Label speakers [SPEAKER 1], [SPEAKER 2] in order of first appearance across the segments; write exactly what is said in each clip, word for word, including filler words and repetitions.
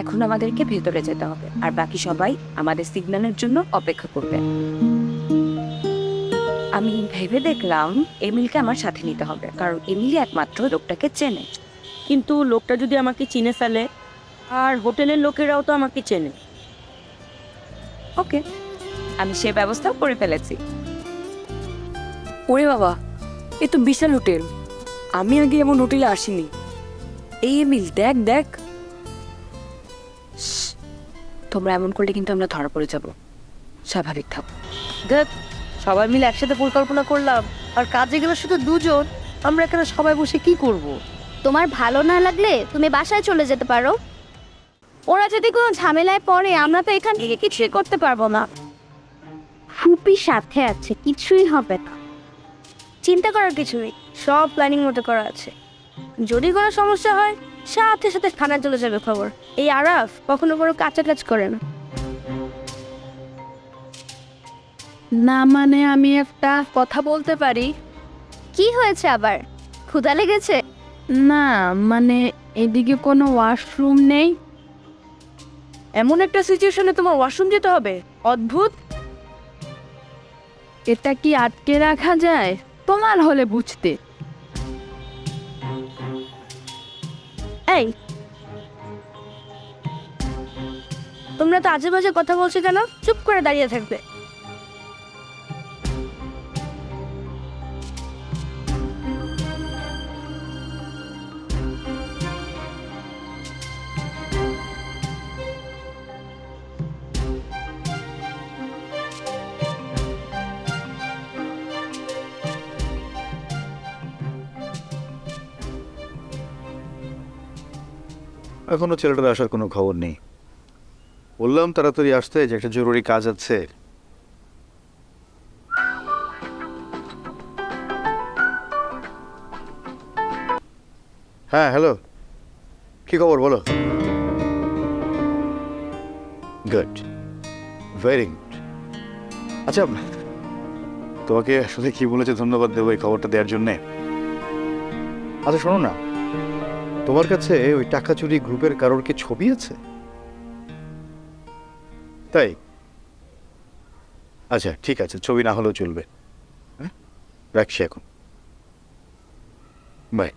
[SPEAKER 1] এখন আমাদেরকে ভেতরে যেতে হবে, আর বাকি সবাই আমাদের সিগন্যালের জন্য অপেক্ষা করবে। আমি ভেবে দেখলাম এমিলকে আমার সাথে নিতে হবে, কারণ এমিলি একমাত্র লোকটাকে চেনে।
[SPEAKER 2] কিন্তু লোকটা যদি আমাকে চিনে ফেলে, আর হোটেলের লোকেরাও তো আমাকে চেনে।
[SPEAKER 1] ওকে, আমি সে ব্যবস্থাও করে ফেলেছি।
[SPEAKER 3] ওরে বাবা, এ তো বিশাল হোটেল, আমি আগে এমন হোটেলে আসিনি। এই এমিল, দেখ দেখ।
[SPEAKER 1] তোমরা এমন করলে কিন্তু আমরা ধরা পড়ে যাব, স্বাভাবিক থাকো।
[SPEAKER 2] দেখ, সবাই মিলে একসাথে পরিকল্পনা করলাম, আর কাজে গেলে শুধু দুজন, আমরা এখানে সবাই বসে কি করব?
[SPEAKER 4] তোমার ভালো না লাগলে তুমি বাসায় চলে যেতে পারো। ওরা যদি কোনো ঝামেলায় পড়ে আমরা তো এখান থেকে কিছুই করতে পারবো না। ফুপি সাথে আছে, কিছুই হবে না। চিন্তা করার কিছু নেই, সব প্ল্যানিং মতো করা আছে। যদি কোনো সমস্যা হয় সাথে সাথে থানায় চলে যাবে খবর। এই আরাফ কখনো কোনো কাঁচা কাজ করে না।
[SPEAKER 5] না মানে আমি একটা কথা বলতে পারি?
[SPEAKER 4] কি হয়েছে আবার, ক্ষুধা লেগেছে?
[SPEAKER 5] না মানে এদিকে কোনো ওয়াশরুম নেই।
[SPEAKER 2] এমন একটা সিচুয়েশনে তোমার ওয়াশরুম যেতে হবে? অদ্ভুত।
[SPEAKER 5] এটা কি আটকে রাখা যায়? তোমার হলে বুঝতে।
[SPEAKER 4] এই, তোমরা তো আজে বাজে কথা বলছো কেন? চুপ করে দাঁড়িয়ে থাকবে।
[SPEAKER 6] এখনো ছেলেটার আসার কোনো খবর নেই। বললাম তাড়াতাড়ি আসতে, যে একটা জরুরি কাজ আছে। হ্যাঁ হ্যালো, কি খবর বলো? Good, very good. আচ্ছা, তোমাকে আসলে কি বলেছে ধন্যবাদ দেবো এই খবরটা দেওয়ার জন্যে। আচ্ছা শোনো না, তোমার কাছে ওই টাকা চুরি গ্রুপের কারোর কি ছবি আছে? তাই? আচ্ছা ঠিক আছে, ছবি না হলেও চলবে। হ্যাঁ, রাখছি এখন, বাই।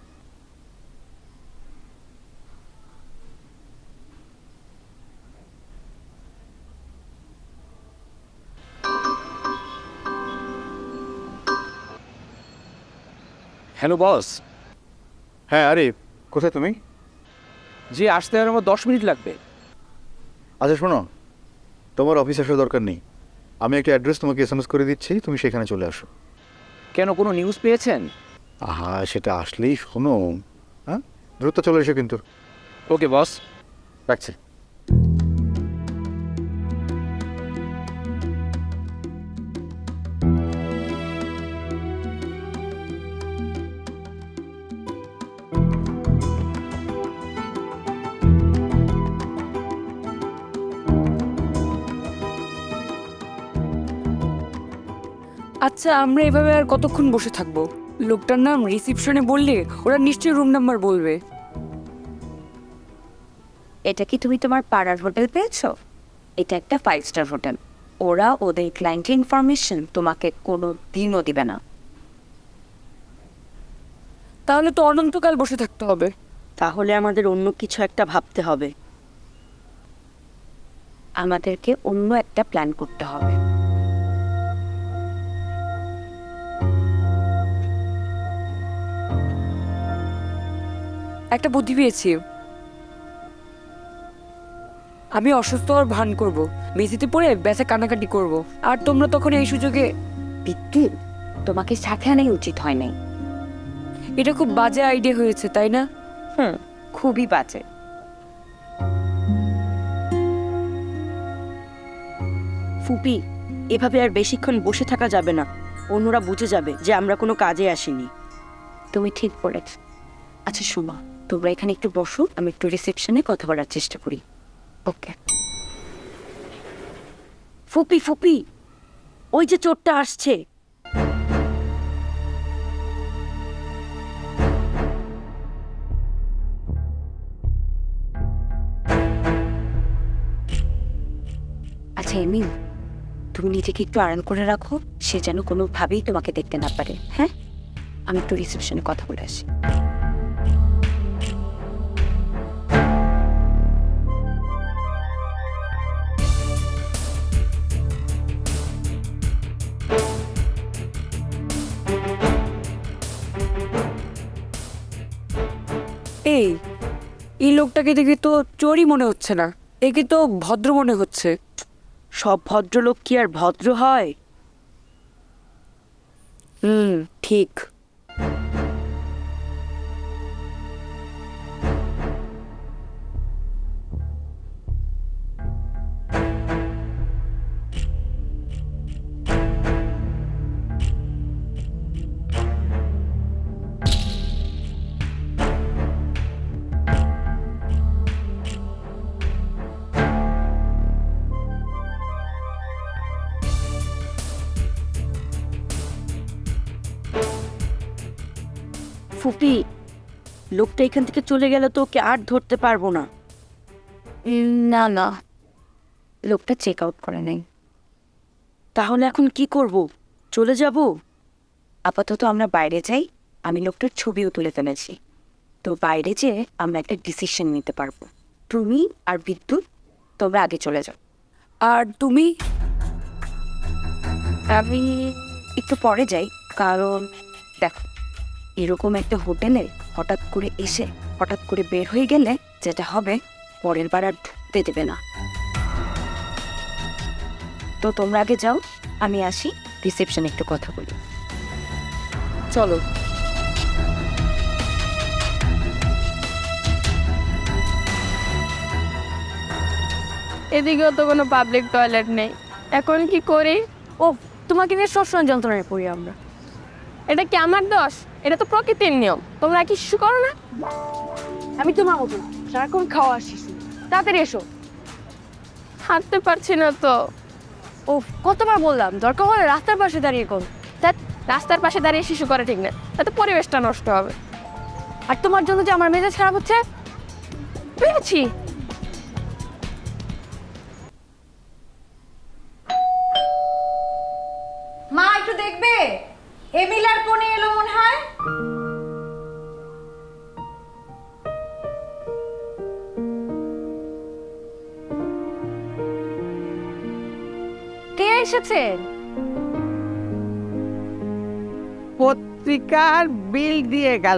[SPEAKER 7] Hello boss.
[SPEAKER 6] হ্যাঁ আরে, কোথায় তুমি?
[SPEAKER 7] জি, আসতে আর আমার দশ মিনিট লাগবে।
[SPEAKER 6] আচ্ছা শোনো, তোমার অফিস আসার দরকার নেই, আমি একটা অ্যাড্রেস তোমাকে এস এম এস করে দিচ্ছি, তুমি সেখানে চলে আসো।
[SPEAKER 7] কেন, কোনো নিউজ পেয়েছেন?
[SPEAKER 6] আহা, সেটা আসলেই শোনো। হ্যাঁ, দ্রুত চলে এসো কিন্তু।
[SPEAKER 7] ওকে বস,
[SPEAKER 6] রাখছি।
[SPEAKER 3] আচ্ছা, আমরা এভাবে আর কতক্ষণ বসে থাকবো? লোকটার নাম রিসিপশনে বললে ওরা নিশ্চয়ই রুম নাম্বার বলবে।
[SPEAKER 1] এটা কি তুমি তোমার পাড়ার হোটেল পেয়েছো? এটা একটা ফাইভ স্টার হোটেল। ওরা ওদের ক্লায়েন্টের ইনফরমেশন তোমাকে কোনো দিনও দিবে না।
[SPEAKER 3] তাহলে তো অনন্তকাল বসে থাকতে হবে।
[SPEAKER 2] তাহলে আমাদের অন্য কিছু একটা ভাবতে হবে।
[SPEAKER 1] আমাদেরকে অন্য একটা প্ল্যান করতে হবে।
[SPEAKER 3] একটা বুদ্ধি পেয়েছি। আমি অসুস্থ হওয়ার ভান করব, মেঝেতে পড়ে ব্যথা কানাকাটি করব, আর তোমরা তখন এই সুযোগে।
[SPEAKER 1] বিদ্যুৎ, তোমাকে সাথে আনাই উচিত হয় নাই।
[SPEAKER 3] এটা খুব বাজে আইডিয়া হয়েছে, তাই না?
[SPEAKER 1] হুম, খুবই বাজে।
[SPEAKER 2] ফুপি, এভাবে আর বেশিক্ষণ বসে থাকা যাবে না। অন্যরা বুঝে যাবে যে আমরা কোনো কাজে আসিনি।
[SPEAKER 1] তুমি ঠিক বলেছ। আচ্ছা শোনো, তোমরা এখানে একটু বসো, আমি একটু রিসেপশনে কথা বলার চেষ্টা করি। ওকে।
[SPEAKER 2] ফুপি ফুপি, ওই যে চোরটা আসছে।
[SPEAKER 1] আচ্ছা এমিল, তুমি নিজেকে একটু আড়াল করে রাখো, সে যেন কোনোভাবেই তোমাকে দেখতে না পারে। হ্যাঁ, আমি একটু রিসেপশনে কথা বলে আসি।
[SPEAKER 3] এই এই লোকটাকে দেখে তো চোরই মনে হচ্ছে না, একে তো ভদ্র মনে হচ্ছে।
[SPEAKER 2] সব ভদ্রলোক কি আর ভদ্র হয়?
[SPEAKER 3] হুম, ঠিক।
[SPEAKER 2] ফুপি, লোকটা এখান থেকে চলে গেলে তো ওকে আর ধরতে পারবো না।
[SPEAKER 1] উম, না না, লোকটা চেক আউট করে নাই।
[SPEAKER 2] তাহলে এখন কি করব? চলে যাব?
[SPEAKER 1] আপাতত আমরা বাইরে যাই, আমি লোকটার ছবিও তুলে ফেলেছি। তো বাইরে যেয়ে আমরা একটা ডিসিশন নিতে পারবো। তুমি আর বিদ্যুৎ তোমরা আগে চলে যাও,
[SPEAKER 3] আর তুমি?
[SPEAKER 1] আমি একটু পরে যাই, কারণ দেখো এরকম একটা হোটেলে হঠাৎ করে এসে হঠাৎ করে বের হয়ে গেলে যেটা হবে, পরের বার আর ঢুকতে দেবে না। তো তোমরা আগে যাও, আমি আসি, রিসেপশনে একটু কথা বলি।
[SPEAKER 3] চলো।
[SPEAKER 5] এদিকেও তো কোনো পাবলিক টয়লেট নেই, এখন কি করি? ও, তোমাকে নিয়ে সবসময় যন্ত্রণায় পড়ি আমরা। এটা কি আমার দোষ? এটা তো প্রকৃতির নিয়ম, তোমরা কি কিছু করো না?
[SPEAKER 3] আমি তোমার মতো না, সারাক্ষণ খাওয়া আসিস, তাড়াতাড়ি এসো।
[SPEAKER 5] হাঁটতে পারছি না তো।
[SPEAKER 3] ও, কতবার বললাম দরকার হলে রাস্তার পাশে দাঁড়িয়ে কর।
[SPEAKER 5] ধ্যাৎ, রাস্তার পাশে দাঁড়িয়ে শিশু করে ঠিক না, তাতে পরিবেশটা নষ্ট হবে।
[SPEAKER 3] আর তোমার জন্য যে আমার মেজাজ খারাপ হচ্ছে,
[SPEAKER 5] পেয়েছি।
[SPEAKER 8] মা একটু দেখবে, এমিল আর কোনে এলো মনে হয়।
[SPEAKER 3] কে এসেছে?
[SPEAKER 9] পত্রিকার বিল দিয়ে গেল।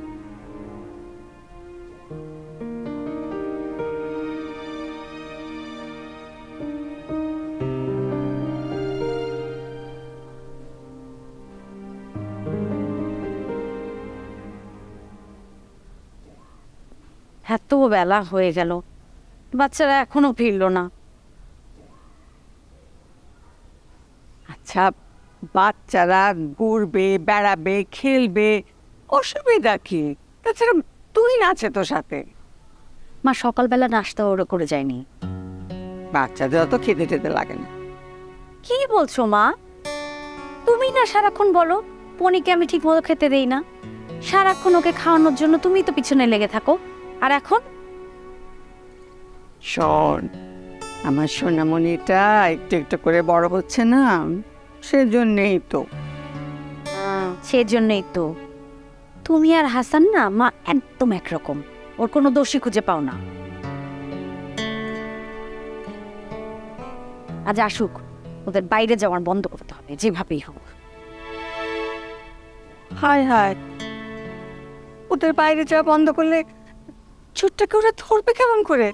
[SPEAKER 1] এত বেলা হয়ে গেল, বাচ্চারা এখনো ফিরলো না।
[SPEAKER 9] আচ্ছা, বাচ্চারা ঘুরবে, বেড়াবে, খেলবে, অসুবিধা কি? তাছাড়া তুই নাচে তো সাথে।
[SPEAKER 1] মা সকালবেলা নাস্তা ওরা করে যায়নি।
[SPEAKER 9] বাচ্চাদের অত খেতে টেতে লাগে না।
[SPEAKER 1] কি বলছো মা? তুমি না সারাক্ষণ বলো পনিকে আমি ঠিক মতো খেতে দেই না, সারাক্ষণ ওকে খাওয়ানোর জন্য তুমি তো পিছনে লেগে থাকো। আর এখন
[SPEAKER 9] শোন, আমার সোনামণিটা একটু একটু করে বড় হচ্ছে না, সেজন্যেই তো।
[SPEAKER 1] সেজন্যই তো তুমি আর হাসান না মা একদম একরকম, ওর কোনো দোষী খুঁজে পাও না। আজ আসুক, ওদের বাইরে যাওয়ার বন্ধ করতে হবে যেভাবেই হোক।
[SPEAKER 9] হায় হায়, ওদের বাইরে যাওয়া বন্ধ করলে ছোট্টকে ওরা ধরবে কেমন করে?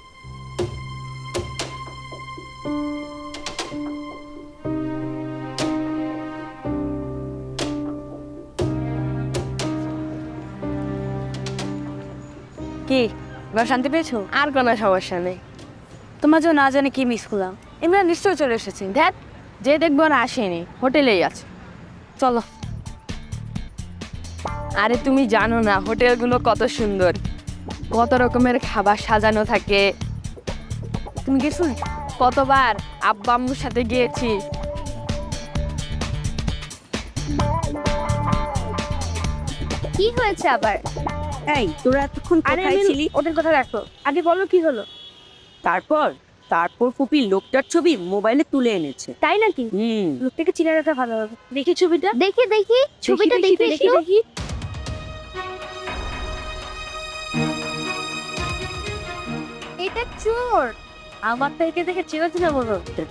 [SPEAKER 3] কি এবার শান্তি পেয়েছো?
[SPEAKER 5] আর কোনো সমস্যা নেই।
[SPEAKER 3] তোমার জন্য না জানি কি মিস করলাম। ইমরান নিশ্চয়ই চলে এসেছে।
[SPEAKER 5] ধ্যাৎ, যে দেখবো না আসেনি, হোটেলেই আছে।
[SPEAKER 3] চলো।
[SPEAKER 5] আরে তুমি জানো না হোটেলগুলো কত সুন্দর, কত রকমের খাবার সাজানো থাকে।
[SPEAKER 3] তুমি গেছো?
[SPEAKER 5] কতবার আব্বা আম্মুর সাথে গিয়েছি।
[SPEAKER 4] কি হয়েছে আবার?
[SPEAKER 2] এই, তোরা এতক্ষণ
[SPEAKER 5] আরে
[SPEAKER 2] কোথায় ছিলি?
[SPEAKER 5] ওদের কথা রাখো, আগে বলো কি হলো।
[SPEAKER 2] তারপর তারপর ফুপি লোকটার ছবি মোবাইলে তুলে এনেছে।
[SPEAKER 4] তাই নাকি?
[SPEAKER 2] হুম
[SPEAKER 4] লোকটাকে চিনে রাখা ভালো হবে। দেখি ছবিটা, দেখি দেখি ছবিটা
[SPEAKER 2] দেখি,
[SPEAKER 4] দেখি
[SPEAKER 2] দেখি,
[SPEAKER 4] দেখি। এটা চোর। আমার তো একে দেখে চেনা চেনা মনে হচ্ছে।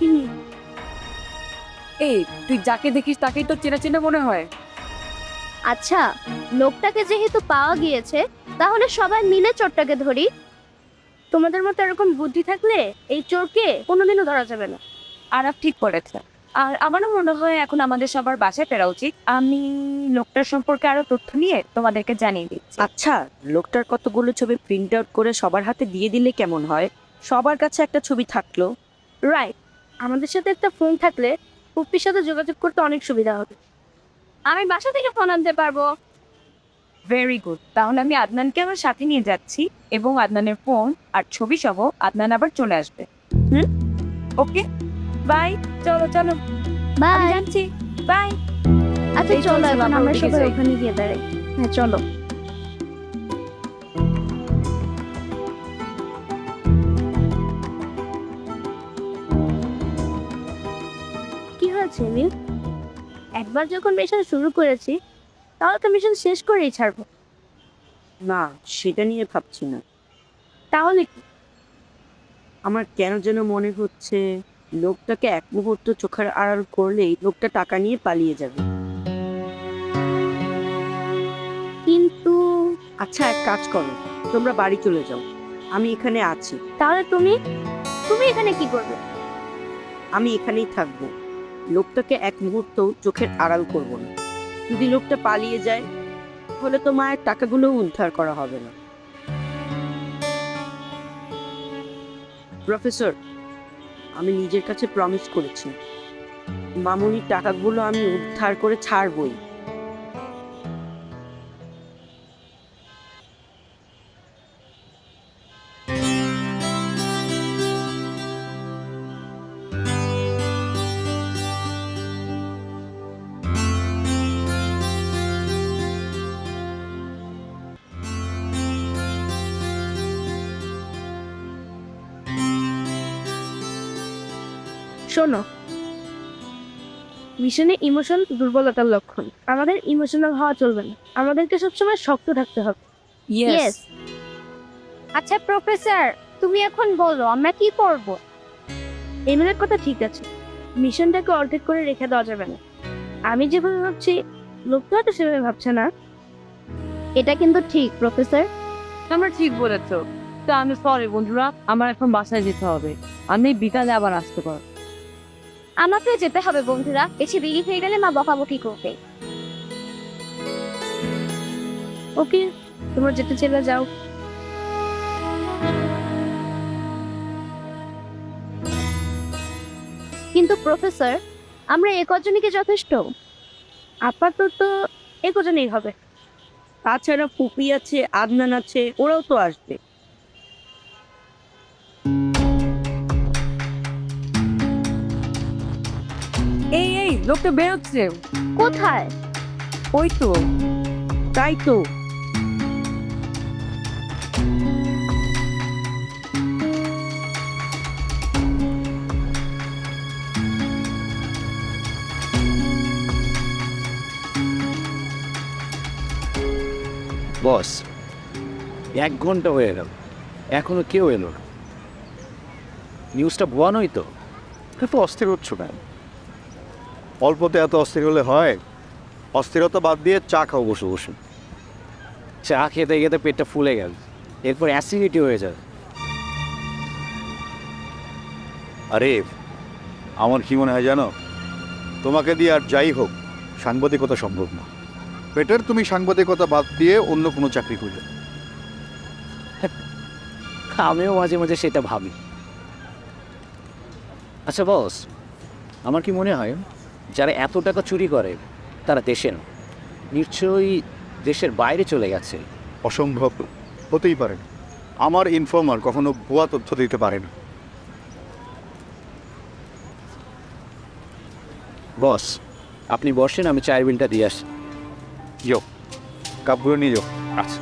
[SPEAKER 3] এই তুই যাকে দেখিস তাকেই তো চেনা চেনা মনে হয়।
[SPEAKER 4] আচ্ছা, লোকটাকে যেহেতু পাওয়া গিয়েছে, তাহলে সবাই মিলে চোরটাকে ধরি। তোমাদের মতো এরকম বুদ্ধি থাকলে এই চোরকে কোনোদিনও ধরা যাবে না।
[SPEAKER 1] আরাফ ঠিক বলেছে। আর আমারও মনে হয় এখন আমাদের সবার বাসায় ফেরা উচিত। আমি লোকটার সম্পর্কে আরো তথ্য নিয়ে তোমাদেরকে জানিয়ে দিচ্ছি।
[SPEAKER 2] আচ্ছা, লোকটার কতগুলো ছবি প্রিন্ট আউট করে সবার হাতে দিয়ে দিলে কেমন হয়? সবার কাছে একটা ছবি থাকলো।
[SPEAKER 4] রাইট, আমাদের সাথে একটা ফোন থাকলে পুপ্পির সাথে যোগাযোগ করতে অনেক সুবিধা হবে। আমি বাসা থেকে ফোন আনতে পারবো।
[SPEAKER 1] ভেরি গুড, তাহলে আমি আদনানকে আমার সাথে নিয়ে যাচ্ছি এবং আদনানের ফোন আর ছবি সহ আদনান আবার চলে আসবে। হুম, ওকে, বাই। চলো চলো, আমি
[SPEAKER 4] বাই।
[SPEAKER 1] যাচ্ছি, বাই।
[SPEAKER 4] আচ্ছা
[SPEAKER 1] এই
[SPEAKER 4] চলো,
[SPEAKER 1] চলছে,
[SPEAKER 4] এখন
[SPEAKER 1] আমরা
[SPEAKER 4] আমরা
[SPEAKER 1] ওদিকে
[SPEAKER 4] সবাই
[SPEAKER 1] যাই।
[SPEAKER 4] ওখানে গিয়ে দাঁড়াই। হ্যাঁ চলো। কি হয়েছে মিল? একবার যখন মিশন শুরু করেছি, তাহলে তো মিশন শেষ করেই ছাড়বো।
[SPEAKER 2] না, সেটা নিয়ে ভাবছি না।
[SPEAKER 4] তাহলে কি?
[SPEAKER 2] আমার কেন যেন মনে হচ্ছে লোকটাকে এক মুহূর্ত চোখের আড়াল করলেই লোকটা টাকা নিয়ে পালিয়ে যাবে।
[SPEAKER 4] কিন্তু
[SPEAKER 2] আচ্ছা, এক কাজ করো, তোমরা বাড়ি চলে যাও, আমি এখানে আছি।
[SPEAKER 4] তাহলে তুমি তুমি এখানে কি করবে?
[SPEAKER 2] আমি এখানেই থাকবো, লোকটাকে এক মুহূর্ত চোখের আড়াল করব না। যদি লোকটা পালিয়ে যায় তাহলে তো মায়ের টাকাগুলো উদ্ধার করা হবে না। প্রফেসর, আমি নিজের কাছে প্রমিস করেছি মামুনির টাকাগুলো আমি উদ্ধার করে ছাড়বই।
[SPEAKER 4] শোনো, মিশনে ইমোশন দুর্বলতার লক্ষণ। আমাদের ইমোশনাল হওয়া চলবে না, আমাদেরকে সবসময় শক্ত থাকতে হবে।
[SPEAKER 3] ইয়েস।
[SPEAKER 4] আচ্ছা প্রফেসর, তুমি এখন বলো আমরা কি করব? এমএলএর কথা ঠিক আছে, মিশনটাকে অর্ধেক করে রেখে দেওয়া যাবে না। আমি যেভাবে ভাবছি লোকটা তো সেভাবে ভাবছে না। এটা কিন্তু ঠিক প্রফেসর।
[SPEAKER 3] আমরা ঠিক বলেছো। তা আমি সরি বন্ধুরা, আমার এখন বাসায় যেতে হবে। আমি বিকালে আবার আসতে পারবো।
[SPEAKER 4] আমাকে যেতে হবে বন্ধুরা, বেশি দেরি হয়ে গেলে মা বকাবকি করবে। ওকে, তোমরা যেতে চলে যাও। কিন্তু প্রফেসর, আমরা এ কজনই কি যথেষ্ট? আপাতত এ কজনই হবে।
[SPEAKER 2] তাছাড়া পুপি আছে, আদনান আছে, ওরাও তো আসবে।
[SPEAKER 3] এই এই লোকটা বেরোচ্ছে।
[SPEAKER 4] কোথায়?
[SPEAKER 3] ওই তো।
[SPEAKER 2] তাই তো,
[SPEAKER 7] বস, এক ঘন্টা হয়ে গেল, এখনো কেউ এলো না। নিউজটা ভুয়া নয় তো?
[SPEAKER 6] এত অস্থির হচ্ছ কেন? অল্পতে এত অস্থির হলে হয়? অস্থিরতা বাদ দিয়ে চা খাও বসে বসে।
[SPEAKER 7] চা খেতে খেতে পেটটা ফুলে গেল, এরপর অ্যাসিডিটি হয়ে যাবে।
[SPEAKER 6] আরে আমার কি মনে হয় জানো, তোমাকে দিয়ে আর যাই হোক সাংবাদিকতা সম্ভব না। বেটার তুমি সাংবাদিকতা বাদ দিয়ে অন্য কোনো চাকরি করলে।
[SPEAKER 7] আমিও মাঝে মাঝে সেটা ভাবি। আচ্ছা বস, আমার কি মনে হয় যারা এত টাকা চুরি করে তারা দেশে না, নিশ্চয়ই দেশের বাইরে চলে গেছে।
[SPEAKER 6] অসম্ভব হতেই পারে না। আমার ইনফর্মার কখনো ভুয়া তথ্য দিতে পারে না।
[SPEAKER 7] বস, আপনি বসেন, আমি চায়ের বিলটা দিয়ে আসি।
[SPEAKER 6] যাও, কাপগুলো নিয়ে যাও।
[SPEAKER 7] আচ্ছা।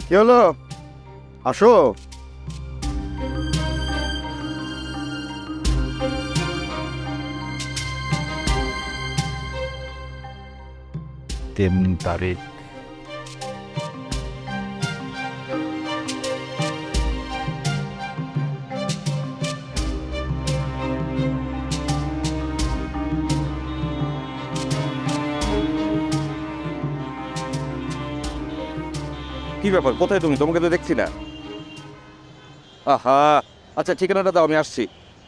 [SPEAKER 6] কি হলো? আসো। তিন তারিখ
[SPEAKER 10] কি ব্যাপার, কোথায় তুমি? তোমাকে তো দেখছি না। আহা, আচ্ছা ঠিকানাটা দাও, আমি আসছি।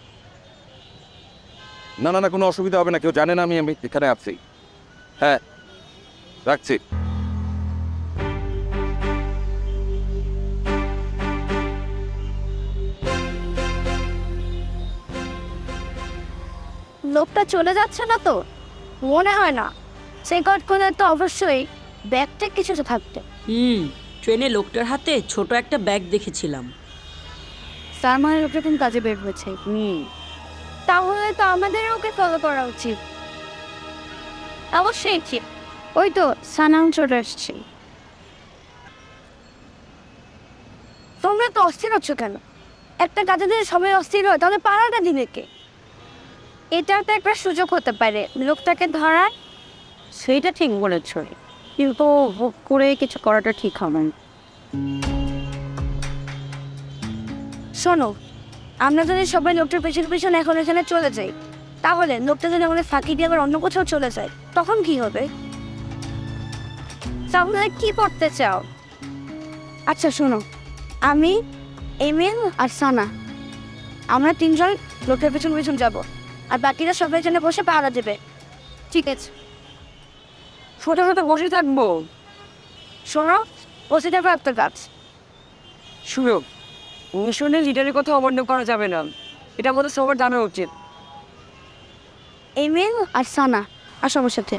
[SPEAKER 10] না না না, কোনো অসুবিধা হবে না, কেউ জানে না আমি আমি এখানে আছি। হ্যাঁ, রাখছি।
[SPEAKER 4] লোকটা চলে যাচ্ছে না তো? মনে হয় না। সে কটকনে তো অবশ্যই ব্যাগটা কিছু তো থাকতে।
[SPEAKER 2] হুম, ট্রেনে লোকটার হাতে ছোট একটা ব্যাগ দেখেছিলাম।
[SPEAKER 4] তার মানে লোকটা কোন কাজে বের হয়েছে।
[SPEAKER 2] হুম,
[SPEAKER 4] তাহলে তো আমাদের ওকে ফলো করা উচিত। অবশ্যই ঠিক। ওই তো সানাম চলে এসছে। তোমরা তো অস্থির হচ্ছ কেন? একটা কাজে যদি সবাই অস্থির হয় তাহলে পাড়াটা দিবে কে? এটাও তো একটা সুযোগ হতে পারে লোকটাকে ধরার।
[SPEAKER 2] সেইটা ঠিক বলেছ, কিন্তু হুট করে কিছু করাটা ঠিক হবে না।
[SPEAKER 4] শোনো, আমরা যদি সবাই লোকটার পেছনে পেছনে এখন এখানে চলে যাই, তাহলে লোকটা যদি আমাদের ফাঁকি দিয়ে আবার অন্য কোথাও চলে যায়, তখন কি হবে? তাহলে কি করতে চাও? আচ্ছা শোনো, আমি, এমিল আর সানা, আমরা তিনজন লোকটার পেছন পেছন যাব, আর বাকিরা সবাই এখানে বসে পাহারা দেবে। ঠিক আছে?
[SPEAKER 3] ছোটো ছোটো বসে থাকবো?
[SPEAKER 4] শোনো, বসে যাবে একটা কাজ।
[SPEAKER 3] শুনো, মিশনে লিডারের কথা অবর্ণ করা যাবে না, এটা আমাদের সবার জানা উচিত।
[SPEAKER 4] এমিল আর সানা, আসো আমার সাথে।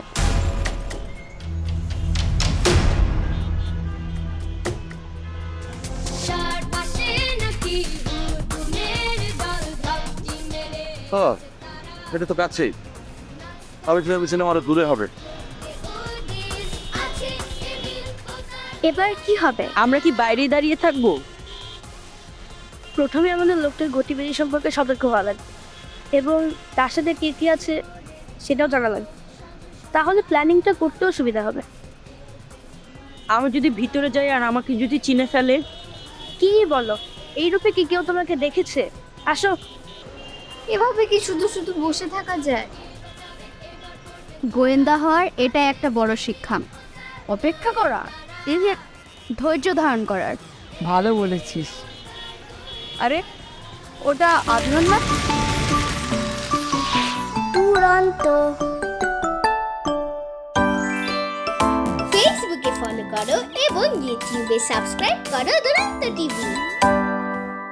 [SPEAKER 10] হ্যাঁ, এটা তো কাছেই। আমি ভেবেছিলাম আরো দূরে হবে।
[SPEAKER 4] এবার কি হবে?
[SPEAKER 2] আমরা কি বাইরে দাঁড়িয়ে থাকবো?
[SPEAKER 4] প্রথমে আমাদের লোকটার গতিবিধি সম্পর্কে সতর্ক হওয়া লাগবে এবং তার সাথে কে কী আছে সেটাও জানা লাগবে। তাহলে প্ল্যানিংটা করতেও সুবিধা হবে।
[SPEAKER 2] আমি যদি ভিতরে যাই আর আমাকে যদি চিনে ফেলে?
[SPEAKER 4] কি বলো, এই রূপে কি কেউ তোমাকে দেখেছে? আসো।
[SPEAKER 11] এভাবে কি শুধু শুধু বসে থাকা যায়? গোয়েন্দা হওয়ার এটা একটা বড় শিক্ষা।
[SPEAKER 4] অপেক্ষা করা, এই যে
[SPEAKER 11] ধৈর্য ধারণ করার।
[SPEAKER 3] ভালো বলেছিস।
[SPEAKER 4] আরে ওটা আদনান না?
[SPEAKER 11] দুরন্ত। ফেসবুকে ফলো করো এবং ইউটিউবে সাবস্ক্রাইব করো দুরন্ত টিভি।